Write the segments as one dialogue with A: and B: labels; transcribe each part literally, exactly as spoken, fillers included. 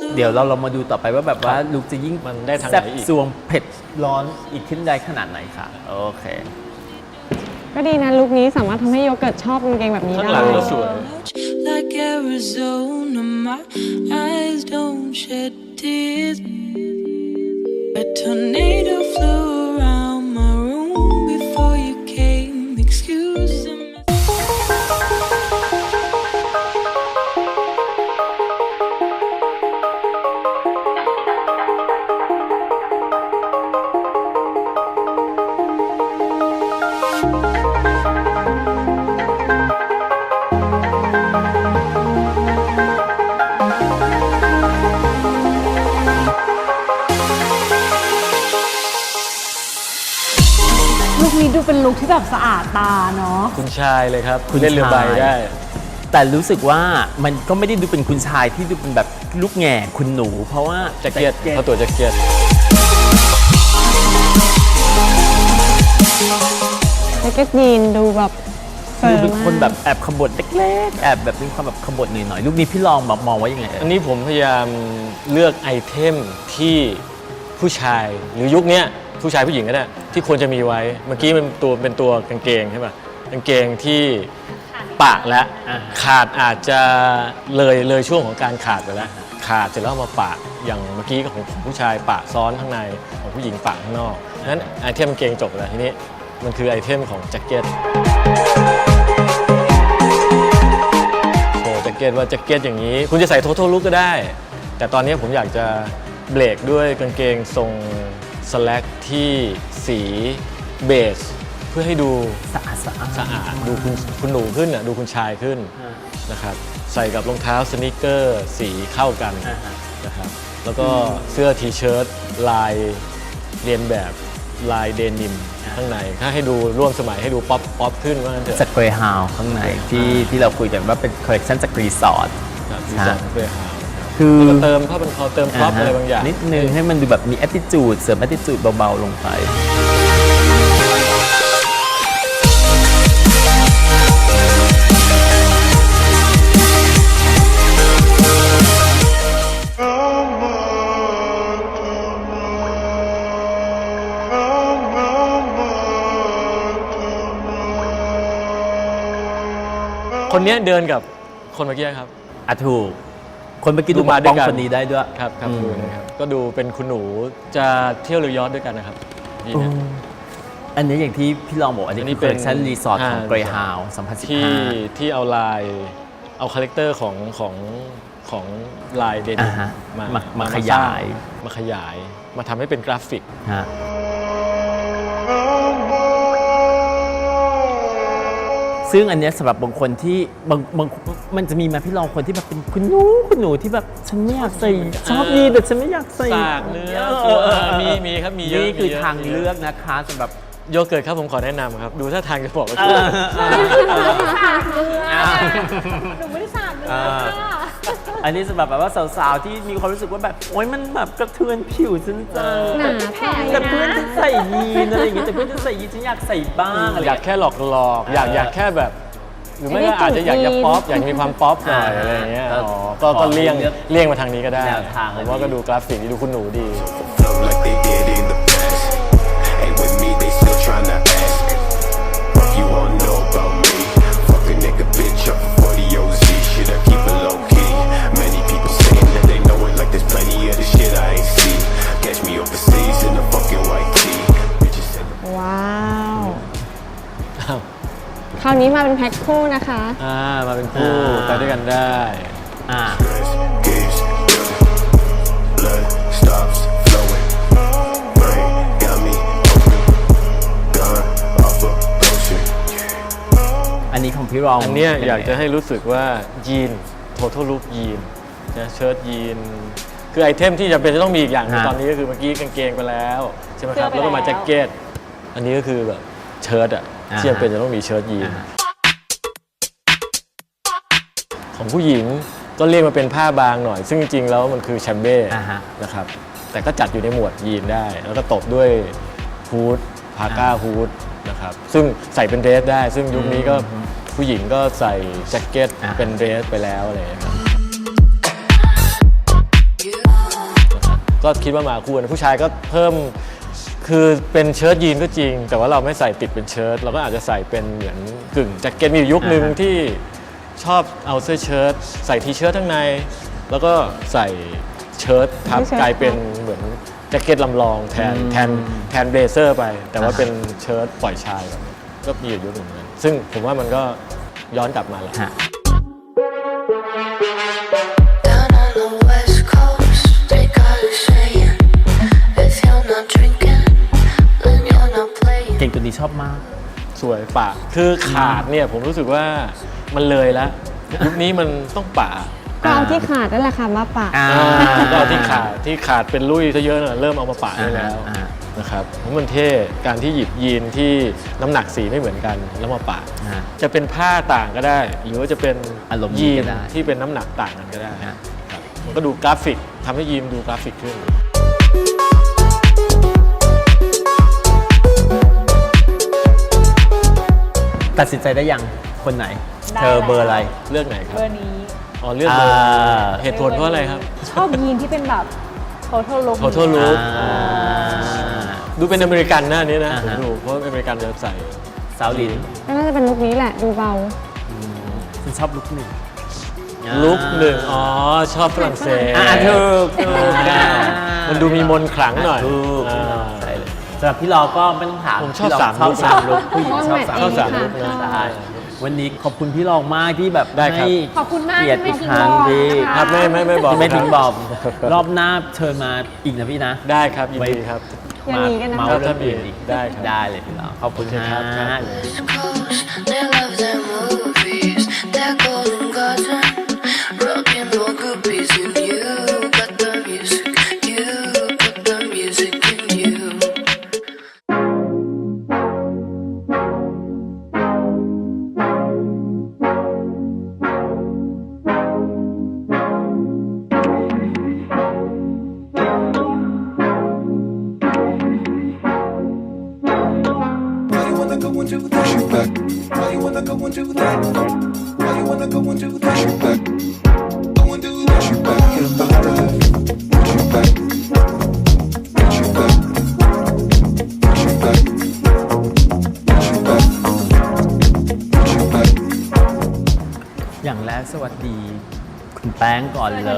A: เดี๋ยวเราเรามาดูต่อไปว่าแบบว่าลุกจะยิ่ง
B: มันได้ทางไหน
A: แซ่บ
B: อีก
A: ซวงเผ็ดร้อนอีกขึ้นได้ขนาดไหนค่ะโอเค
C: ก็ดีนะลุคนี้สามารถทำให้โยเกิร์ตชอบกางเกงแบบนี้
B: ข้าง
C: ได้
B: หลังก็สวย
D: Like Arizona, my eyes don't shed tears. A tornado flew around my room before you came. Excuse me.
E: ลุคนี้ดูเป็นลุคที่แบบสะอาดตาเนาะ
B: คุณชายเลยครับ
A: คุณ
B: เล่นเรือใบ
A: ชาย
B: ได้
A: แต่รู้สึกว่ามันก็ไม่ได้ดูเป็นคุณชายที่ดูเป็นแบบลูกแง่คุณหนู เพราะว่า
B: แจ็คเก็ตเขาตัวแจ็คเก็ต
C: แจ็คเก็ตยีนดูแบบเฟิ
A: ดู
C: ร์
A: เป็น
C: มาก
A: คนแบบแอบขบฏเล็กๆแอบแบบมีความแบบขบฏหน่อยๆลูกนี้พี่ลองแบบมองว่ายังไงเอ่ย
B: อันนี้ผมพยายามเลือกไอเทมที่ผู้ชายหรือยุคนี้ผู้ชายผู้หญิงก็ได้ที่ควรจะมีไว้เมื่อกี้มันตัวเป็นตัวกางเกงใช่ป่ะกางเกงที่ปะและขาดอาจจะเลยเลยช่วงของการขาดไปแล้วขาดเสร็จแล้วเอามาปะอย่างเมื่อกี้ของของผู้ชายปะซ้อนข้างในของผู้หญิงปะข้างนอกนั้นไอเทมกางเกงจบแล้วทีนี้มันคือไอเทมของแจ็คเก็ตโชว์แจ็คเก็ตว่าแจ็คเก็ตอย่างนี้คุณจะใส่โททอลลุคก็ได้ แต่ตอนนี้ผมอยากจะเบรกด้วยกางเกงทรงสแลกที่สีเบสเพื่อให้ดู
A: สะอาดสะอาด
B: สะอาดดูคุณคุณหนูขึ้นอ่ะดูคุณชายขึ้นนะครับใส่กับรองเท้าสนิเกอร์สีเข้ากันนะครับแล้วก็เสื้อทีเชิ้ตลายเรียนแบบลายเดนิมข้างในถ้าให้ดูร่วมสมัยให้ดูป๊อปป๊อปขึ้นว่างั้นเถอะ
A: จากเกรย์ฮาวข้างในที่ที่เราคุยกันว่าเป็นคอลเลคชันจากรีสอร์ท
B: ครับดีไซน์ของเกรย์ฮาวน์
A: คือ
B: แล้วก็เติมผ้าพันคอเติมพร็อพอะไรบางอย่าง
A: นิดนึงให้มันดูแบบมี attitude เสริม attitude เบาๆลงไป
B: คนนี้เดินกับคนเมื่อกี้ครับ
A: อ่ะถูกคนเมื่อกี้ดู
B: ดูมา
A: มา
B: ด้
A: ด้
B: ว
A: วย ย
B: กัน
A: คนนี้ได้ด้วย
B: ครับครับ
A: อืม
B: ดูนะครับก็ดูเป็นคุณหนูจะเที่ยวเรือยอชต์ด้วยกันนะครับดีนะ
A: อันนี้อย่างที่พี่ลองบอกอันนี้
B: อันนี้
A: คือ collection
B: เป็น
A: รีสอร์ทของ
B: อ่า
A: เกรย์ฮาวสองพันสิบ
B: ที่
A: ห้า
B: ที่เอาลายเอาคาแรคเตอร์ของของของลายเดนิ
A: อ่าม ฮะ
B: มา
A: มามา
B: ส
A: ข
B: ร้ง
A: ยาย
B: มาขยายมาทำให้เป็นกราฟิก
A: ฮะซึ่งอันเนี้ยสำหรับบางคนที่บางบางมันจะมีมาพี่ลองคนที่แบบเป็นคุณหนูคุณหนูที่แบบฉันไม่อยากใส่ชอบยีนแต่ฉันไม่อยากใส่
B: สากเนื้อ
A: เออเออเออ
B: มีมีครับมีเยอะ
A: นี่คือ
B: มีเยอะ
A: ทางเลือกนะคะสำหรับ
B: โยเกิร์ตครับผมขอแนะนำครับ ดูท่าทางจะบอกว่า
A: เออ
E: หนูไม่ได้สาดเนื้อ
A: อ่า
E: ค่ะ
A: อันนี้สำหรับแบบว่าสาวๆที่มีความรู้สึกว่าแบบโอ๊ยมันแบบกระเทือนผิวฉันจัง
C: หนาแผล
A: แต่เพื่อนฉันใส่ยีนอะไรอย่างเงี้ยแต่เพื่อนฉันใส่ยีนฉันอยากใส่บ้างอะไร
B: อยากแค่หลอกหลอกๆอยาก
A: เออ
B: อ
A: อ
B: ยากแค่แบบ หรือไม่ก็อาจจะอยากจะป๊อปอยากมีความป๊อปหน่อยอะไรอย่างเงี้ย
A: อ่า
B: อ๋อก็ก็เลี่ยงเลี่ยงมาทางนี้ก็ได้
A: แนวทาง
B: ผมว่าก็ดูกราฟิกดูคุณหนูดี
F: Flow like they did in the past. Ain't with me, they still tryna ask. If you wanna know about me, fuck a nigga bitch up for forty O Z. Shit, I keep it low key. Many people saying that they know it, like there's plenty of the shit I ain't seen. Catch me overseas in a fucking white tee. Bitches say
C: ว้าว คราวนี้มาเป็นแพ็คคู่นะคะ
B: อ่ามาเป็นคู่ไปด้วยกันได้
A: อ่า
F: stress gives good. Blood stops flowing. Brain got me open. Gone off a potion.
A: อันนี้ของพี่รอง
B: อันเนี้ย
A: เป็ไง
B: อยากจะให้รู้สึกว่ายีน total look ยีนนะเชิ้ตยีน คือไอเทมที่จำเป็นจะต้องมีอีกอย่างหนึง
A: ฮะ
B: ตอนนี้ก็คือเมื่อกี้กางเกงไปแล้วใช่ไหมครับ
E: เสื้อไป
B: แล้วก็มา
E: แล้ว
B: แจ็คเก็ตอันนี้ก็คือแบบเชิ้ตอ่ะที่จำเป็นจะต้องมีเชิ้ตยีน
A: อ่า
B: ของผู้หญิงก็เรียกมาเป็นผ้าบางหน่อย ซึ่งจริงๆแล้วมันคือแชมเบ้
A: อ่าฮะ
B: นะครับแต่ก็จัดอยู่ในหมวดยีนได้ แล้วก็ตบด้วยฮูดพาก้าฮูดนะครับซึ่งใส่เป็นเดรสได้ ซึ่งยุคนี้ก็ผู้หญิงก็ใส่แจ็คเก็ต
A: อ่า
B: เป็นเดรสไปแล้วอะไรอย่างเงี้ยครับ
D: Yeah.
B: ก็คิดว่ามาคู่กันผู้ชายก็เพิ่มคือเป็นเชิ้ตยีนก็จริง แต่ว่าเราไม่ใส่ติดเป็นเชิ้ตเราก็อาจจะใส่เป็นเหมือนกึ่งแจ็คเก็ตมีอยู่ยุคหนึ่ง
A: อ่าฮะ
B: ที่ชอบเอาเสื้อเชิ้ตใส่ทีเชิ้ตข้างใน แล้วก็ใส่เชิ้ตทับ
C: ที่เชิ้ต
B: กลายเป็นเหมือนแจ็คเก็ตลำลองแทนแทนแทนเบลเซอร์ไป แต่ว่าเป็นเชิ้ตปล่อยชายแบบนี้ก็มีอยู่ยุคหนึ่งเหมือนกันซึ่งผมว่ามันก็ย้อนกลับมาแหละ
A: ฮะ
G: Down on the west coast, they got a saying, if you're not drinking, then you're not playing.
A: เก่งตัวนี้ชอบมาก
B: สวยป่าคือขาดเนี่ยผมรู้สึกว่ามันเลยแล้วยุคนี้มันต้องป่า
C: ก็เอาที่ขาดนั่นแหละค่ะมาปะ
A: อ่า
B: ก็เอาที่ขาดที่ขาดเป็นลุยซะเยอะนะเริ่มเอามาป่าได้แล้ว
A: อ่า
B: นะครับเพราะมันเท่การที่หยิบยีนที่น้ำหนักสีไม่เหมือนกันแล้วมาป่า
A: อ่า
B: จะเป็นผ้าต่างก็ได้ หรือว่าจะเป็น
A: อารมณ์
B: ยี
A: ก็
B: น
A: ได้
B: ที่เป็นน้ำหนักต่างกันก็ได้
A: ฮะ
B: ครับมันก็ดูกราฟิกทำให้ยีนดูกราฟิกขึ้น
A: ตัดสินใจได้ยังคนไหน
E: ได้
A: เธอเบอร์อะไร
B: เลือกไหนครั
E: เบบ อร์นี้
B: อ๋อเลือกเบอร์
A: อ่า
B: เหตุผลเพราะอะไรครับ
E: ชอบยีนที่เป็นแบบ total look
B: ขอโทษลูก
A: อ่า
B: ดูเป็นอเมริกันนะอันนี้นะ
A: อ่า
B: ผม
A: ฮะ
B: ดูเพราะอเมริกันจะใส่
A: สาวลิน
C: ก็น่าจะเป็นลุคนี้แหละดูเบา
A: ฉันชอบลุคหนึ่ง
B: ลุกหนึ่งอ๋อ ชอบฝรั่งเศส
A: อ่าถูกถูกอ่า
B: มันดูมีมนต์ขลังหน่อย
A: ถูก
B: อ่า
A: ใช่เลยสำหรับพี่รอก็ไม่ต้องถาม
B: ผมชอบ
A: พี่ร
B: สาม
A: ชอบ
B: ลุค
A: สามลุคผู้หญิงชอบสาม
C: ชอบสาม
B: ลุคนะ
A: ใช่วันนี้ขอบคุณพี่รองมากที่แบบ
B: ได้ครับ
A: ให้
E: ขอบคุณมาก
A: เกียรติ
E: ที่
A: อีก
E: ไม่
A: ครั้ง
E: ทิ้ง
A: ดี
E: บอกนะคะ
B: ครับไม่ไม่ไม่บอก
A: ที่ไม่ทิ้ง
B: ครับ
A: บอมรอบหน้าเชิญมาอีกนะพี่นะ
B: ได้ครับยินดีครับ
C: อย่างนี้กันนะ
A: เมา
B: ครับ
A: เรื่องอื่นอีก
B: ได้ครับ
A: ได้เลยพี่รองขอบคุณ
B: โอเคครับ
A: ฮะ
B: ครับ
G: West coast, they love their movies, their golden garden, rocking all groupies, and you got the music, you got the music in you.
F: Why you wanna go and do that? Push it back. Why you wanna go and do that? Why you wanna go and do that? Push it back. Go and do that. Push it back. Get up out of life. Push it back. Push it back. Push it back. Push it back. Push it back.
A: อย่างแรกสวัสดี คุณแป้งก่อนเลย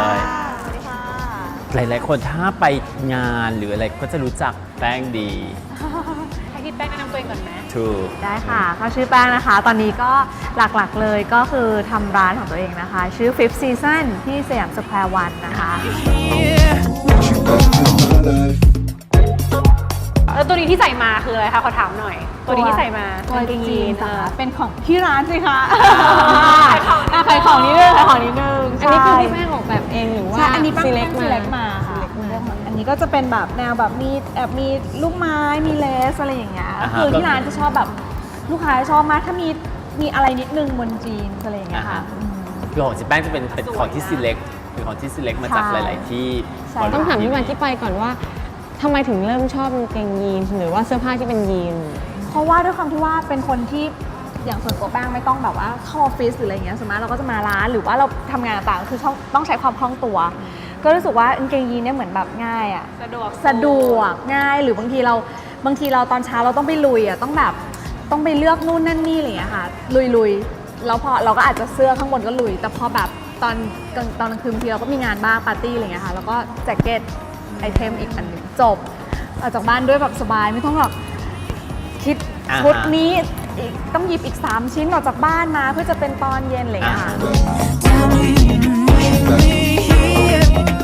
A: หลายๆคนถ้าไปงานหรืออะไรก็จะรู้จักแป้งดี
E: ให้พี่แป้งแนะนำตัวเองก่อนไหม
A: ถูก
H: ได้ค่ะเขาชื่อแป้งนะคะ ตอนนี้ก็หลักๆเลยก็คือทำร้านของตัวเองนะคะ ชื่อ Fifth Season ที่สยามสแควร์วันนะคะ
F: Push it back. Get up out of life.
E: แล้วตัวนี้ที่ใส่มาคืออะไรคะ ขอถามหน่อย ตัวนี้ที่ใส่มา
H: ตัว
E: กางเกงยีน
H: ค่ะ
E: อ่ะ
H: เป็นของที่ร้านสิคะ
E: ขายของอ่ะขายของนิดนึงขายของนิดนึง
C: อันนี้คือพี่แป้งออกแบบเองหรือว่า
H: ใช่อันนี้ป้า
C: ซีเล็ก
H: ซี
C: มา
H: เล็กมาค่ะเลือกมาอันนี้ก็จะเป็นแบบแนวแบบมีแอบมีลูกไม้มีเลสอะไรอย่างเงี้ย
A: อ่าฮะ
H: คือที่ร้านจะชอบแบบลูกค้าชอบมากถ้ามีมีอะไรนิดนึงบนจีนอะไรอย่างเงี้ยค่ะอืม
A: คือของจิแป้งจะเป็นเป็นของที่ select เป็นของที่ select มาจาก
H: ใช่
A: หลาย ๆ ที่
H: ใช่
C: ต้องถามที่มาที่ไปก่อนว่าทำไมถึงเริ่มชอบกางเกงยีนหรือว่าเสื้อผ้าที่เป็นยีน
H: เพราะว่าด้วยความที่ว่าเป็นคนที่อย่างส่วนตัวแป้งไม่ต้องแบบว่าเข้าออฟฟิศหรืออะไรเงี้ยสมมติเราก็จะมาร้านหรือว่าเราทำงานต่างๆคือต้องต้องใช้ความคล่องตัว ก็รู้สึกว่ากางเกงยีนเนี่ยเหมือนแบบง่ายอะ
E: สะดวก
H: สะดวกง่ายหรือบางทีเราบางทีเราตอนเช้าเราต้องไปลุยอะต้องแบบต้องไปเลือกนู่นนั่นนี่อะไรอย่างเงี้ยค่ะลุยลุยแล้วพอเราก็อาจจะเสื้อข้างบนก็ลุย แต่พอแบบตอนกลางตอนกลางคืนบางทีเราก็มีงานบ้างปาร์ตี้อะไรอย่างเงี้ยค่ะแล้วก็แจ็คเก็ตไอเทมอีกอันหนึ่งจบออกจากบ้านด้วยแบบสบายไม่ต้องแบบคิด
A: อ่าฮะ
H: ชุดนี้อีกต้องหยิบอีก สาม ชิ้นออกจากบ้านมาเพื่อจะเป็นตอนเย็นอะไรอย่างเงี้ยค่ะ
D: Tell me you need me here.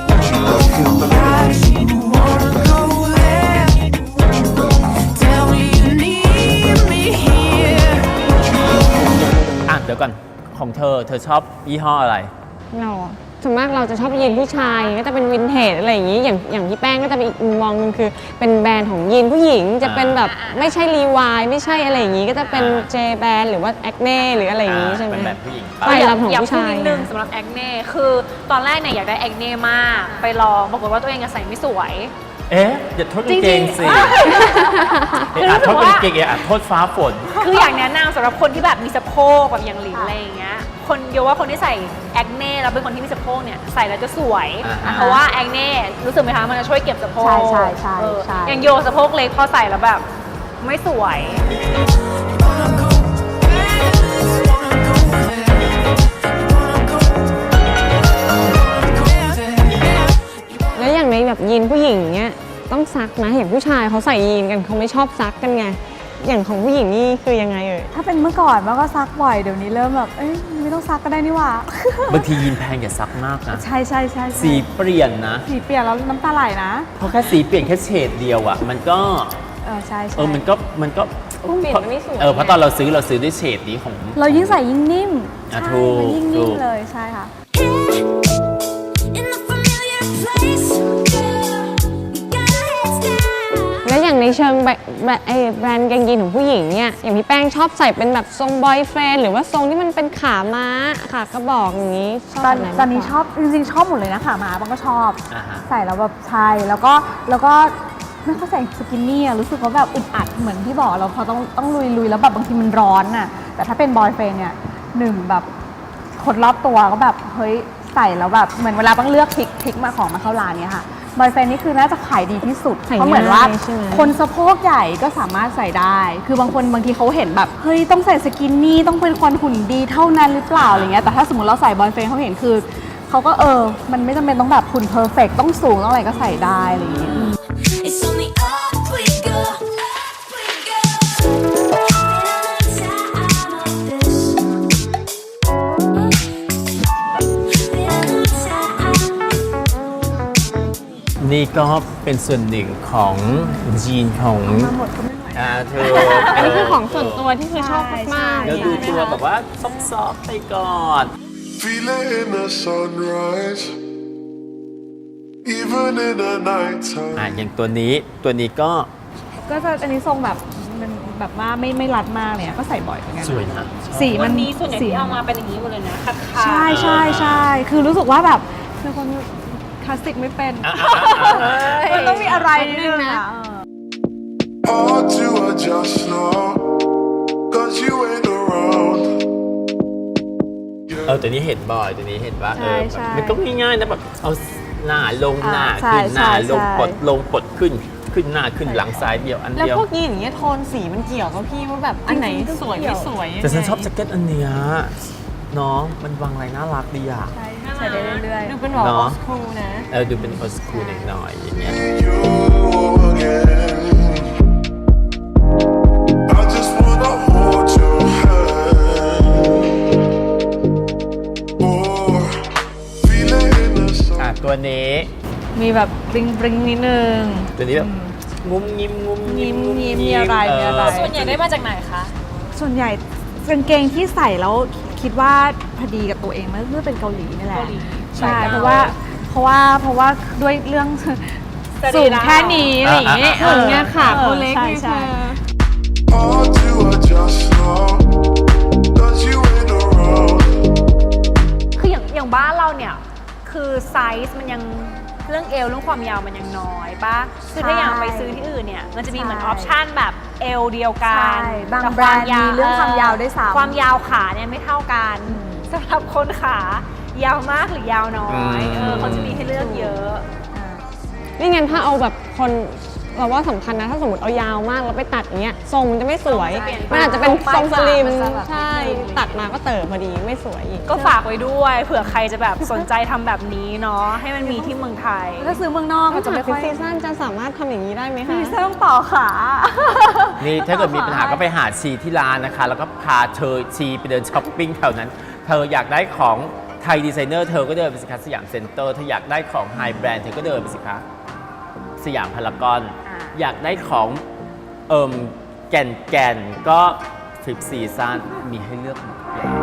D: You wanna go there. Tell me you need me here.
A: อ่ะเดี๋ยวก่อนของเธอเธอชอบยี่ห้ออะไร
C: เราอะส่วนมากเราจะชอบยีนผู้ชายก็จะเป็นวินเทจอะไรอย่างนี้อย่างอย่างพี่แป้งก็จะเป็นอีกมุมมองหนึงคือเป็นแบรนด์ของยีนผู้หญิงจะเป็นแบบไม่ใช่รีวายไม่ใช่อะไรอย่างนี้ก็จะเป็น
A: อ่า
C: เจแบรนด์หรือว่าแอคเน่หรืออะไรอย่างนี้ใช่ไหม
A: เป็นแบบผู้หญิง
C: ไปรับของ
E: อยาก
C: ผู้
E: พูด
C: ชาย
E: นิดนึงสำหรับแอคเน่คือตอนแรกเนี่ยอยากได้แอคเน่มาก ไปลองปรากฏว่าตัวเองอะใส่ไม่สวย
A: เอ๊ะอย่าโทษกางเกงสิ
E: จริงๆ
A: เอ๊ะอาจโทษ
E: คือรู้สึกว่า
A: กางเกงเอ๊ะอาจโทษฟ้าฝน
E: คืออยากแนะนำสำหรับคนที่แบบมีสะโพกแบบอย่างหลินอะไรอย่างเงี้ยคนโยว่าคนที่ใส่แอคเน่แล้วเป็นคนที่มีสะโพกเนี่ยใส่แล้วจะสวย
A: อ่า
E: เพราะว่าแอคเน่รู้สึกไหมคะมันจะช่วยเก็บสะโพก
H: ใช่ใช่ใช่
E: เออ
H: ใช่
E: อย่างโยสะโพกเล็กพอใส่แล้วแบบไม่สวย
C: แล้วอย่างในแบบยีนผู้หญิงเนี้ยต้องซักนะอย่างผู้ชายเขาใส่ยีนกันเขาไม่ชอบซักกันไงอย่างของผู้หญิงนี่คือยังไงเอ่ย
H: ถ้าเป็นเมื่อก่อนมันก็ซักบ่อยเดี๋ยวนี้เริ่มแบบเอ้ยไม่ต้องซักก็ได้นี่หว่า
A: บางทียีนแพงอย่าซักมากนะ
H: ใช่ใช่ใช่ใช่
A: สีเปลี่ยนนะ
H: สีเปลี่ยนแล้วน้ำตาไหลนะ
A: เพราะแค่สีเปลี่ยนแค่เฉดเดียวอ่ะมันก็
H: เออใช่ใช่
A: เออมันก็มันก็
C: เปลี่ยนมันไม่สวย
A: เออเพราะตอนเราซื้อเราซื้อด้วยเฉดนี้ของ
H: เรายิ่งใส่ยิ่งนิ่ม
A: อ่ะ
H: ใช่
A: ถูก
H: มันยิ่ง
A: ถู
H: นิ่ม
A: ก
H: เลยใช่ค่ะ
G: In the familiar place, we got our heads down.
C: แล้วอย่างในเชิงแบบแบบไอ้แบรนด์กางเกงของผู้หญิงเนี่ยอย่างพี่แป้งชอบใส่เป็นแบบทรงบอยเฟรนด์หรือว่าทรงที่มันเป็นขาม้าขากระบอกอย่างนี้ชอบ
H: ตอน
C: แบบไหน
H: ตอนนี้
C: มากกว่า
H: ชอบจริงๆชอบหมดเลยนะขาม้าบางก็ชอบ
A: อ่าฮะ
H: ใส่แล้วแบบใช่แล้วก็แล้วก็ไม่ค่อยใส่สกินนี่อะรู้สึกว่าแบบอึดอัดเหมือนที่บอกเราพอต้องต้องลุยลุยแล้วแบบบางทีมันร้อนน่ะแต่ถ้าเป็นบอยเฟรนเนี่ยหนึ่งแบบคนรอบตัวก็แบบเฮ้ยใส่แล้วแบบเหมือนเวลาต้องเลือกพลิกพลิกมาของมาเข้าร้านเนี่ยค่ะบอยเฟรนนี่คือน่าจะขายดีที่สุด
C: ใส่
H: เพราะเหมือนว่า
C: ง่ายใช่ไหม
H: คนสะโพกใหญ่ก็สามารถใส่ได้ คือบางคนบางทีเขาเห็นแบบเฮ้ยต้องใส่สกินนี่ต้องเป็นคนหุ่นดีเท่านั้นหรือเปล่าอะไรเงี้ยแต่ถ้าสมมติเราใส่บอยเฟรนเขาเห็นคือเขาก็เออมันไม่จำเป็นต้องแบบหุ่นเพอร์เฟกต้องสูงต้องอะไรก็ใส่ได้อะไรอย่างเงี้ย
G: It's only up we go, up we go. Been a long time of this. Been a long time.
A: นี่ก็เป็นส่วนหนึ่งของยีนของ
H: มาหมดก็ไม่ไหว
A: อ่าเธอ
C: อันนี้คือของส่วนตัวที่คือชอบมากๆ
A: แล้วดูตัวแบบว่าซอฟๆไปก่อน
F: Feel it in the sunrise, even in the nighttime.
A: อ่ะอย่างตัวนี้ตัวนี้ก็
H: ก็จะอันนี้ทรงแบบมันแบบว่าไม่ไม่รัดมากเลยอะก็ใส่บ่อยเหมือนกัน
A: สวยนะ
H: สีมั
E: วัน นนี้ส่วนใหญ่
H: สี
E: ที่เอามาเป็นอย่างนี้หมดเลยนะขาดขา
H: ใช่ใช่ใช่คือรู้สึกว่าแบบเป็นคนคลาสสิกไม่เป็น
A: อ่ะอ่ะอ่ะอ่ะ
H: มันต้องมีอะไรนิดนึงนะ
F: Hard to adjust now, cause you ain't around.
A: เออตัวนี้เห็นบ่อยตัวนี้เห็นว่าเออ
H: ใช่
A: แบบ
H: ใช่
A: มันก็ง่ายๆนะแบบเอาหน้าลงหน้า
H: อ่าใช่
A: ขึ้นหน้า
H: ใช่
A: ลง
H: ใช่
A: ปลดลงปลดขึ้นขึ้นหน้าขึ้นหลังซ้ายเดียวอัน
C: แล้ว
A: เดียว
C: พวกยีนอย่างเงี้ยโทนสีมันเกี่ยวกับพี่ว่าแบบอันไหนสวยไม่สวย
A: แต่ฉันชอบแจ็คเก็ตอันเนี้ยเนาะมันวางอะไรน่ารักดีอ่ะ
H: ใช่ใส่ได้เรื่อย
C: ดูเป็นแบบ
A: เน
C: โอ
A: อะ
C: สคูลนะ
A: เออดูเป็นโอสคูลหน่อยๆอย่างเงี้ย
F: You again. I just wanna hold your hand. Oh, feel it in the sun.
A: อ่ะตัวนี้
H: ๆมีแบบบริงบริงนิดนึง
A: ตัวนี้แบบงุ้มงิมงุ้มงิม
H: งิ้มงิ้มมีอะไรมีอะไร
E: ส่วนใหญ่ได้มาจากไหนคะ
H: ส่วนใหญ่กางเกงที่ใส่แล้วคิดว่าพอดีกับตัวเองเมื่อเป็นเกาหลีนี่แหละ
E: เกาหลี
H: ใช่
E: ใช่
H: เพราะว่าเพราะว่าเพราะว่าด้วยเรื่อง
E: สรี
H: สูง
E: ระ
H: แค่นี้อะไรอย่างเงี้ย
A: อ่าอ่าอ่า
H: เออ
C: เนี่ยขาเขาเล็ก
H: ใช่
C: ไง
H: ใช่
F: Hard to adjust now, cause you ain't around.
E: คืออย่างอย่างบ้านเราเนี่ยคือไซส์มันยังเรื่องเอวเรื่องความยาวมันยังน้อยปะคือถ้าอย่างไปซื้อที่อื่นเนี่ยมันจะมีเหมือนออปชั่นแบบเอวเดียวกัน
H: ใช่บาง
E: แต่
H: แบรนด์มีเรื่องความยาวด้วยซ้ำ
E: ความยาวขาเนี่ยไม่เท่ากันสำหรับคนขายาวมากหรือยาวน้อยเออเขาจะมีให้เลือกเยอะ
C: นี่งั้นถ้าเอาแบบคนเราว่าสำคัญนะถ้าสมมติเอายาวมากแล้วไปตัดอย่างเงี้ยทรงมันจะไม่สวย
E: ทรงจะเปลี่ยนไป
C: มันอาจจะเป็นทรงสลิม
H: มันจะแบบ
C: ใช่ตัดมาก็เติบพอดีไม่สวยอีก
E: ก็ฝากไว้ด้วยเผื่อใครจะแบบสนใจทำแบบนี้เนาะให้มันมีที่เมืองไทย
H: ถ้าซื้อเมืองนอก
C: ถ้า
H: ก็
C: จะ
H: จะ
C: ไม่
H: ไม่
C: ค่
H: ค่
C: อ
H: อย ย
C: ซีซั่นจะสามารถทำอย่างนี้ได้ไหมคะ
H: มีเสื้อต้องต่อขา
A: นี่ถ้าเกิดมีปัญหาก็ไปหาชีที่ร้านนะคะ แล้วก็พาเธอชีไปเดินช้อปปิ้งแถวนั้น เธออยากได้ของไทยดีไซเนอร์เธอก็เดินไปสิคะสยามเซ็นเตอร์เธออยากได้ของไฮแบรนด์เธอก็เดินไปสิคะสยามพารากอน
H: อ่า
A: อยากได้ของเอิ่มแก่นแก่นๆก็ทริปซีซั่นมีให้เลือกหมดแล้ว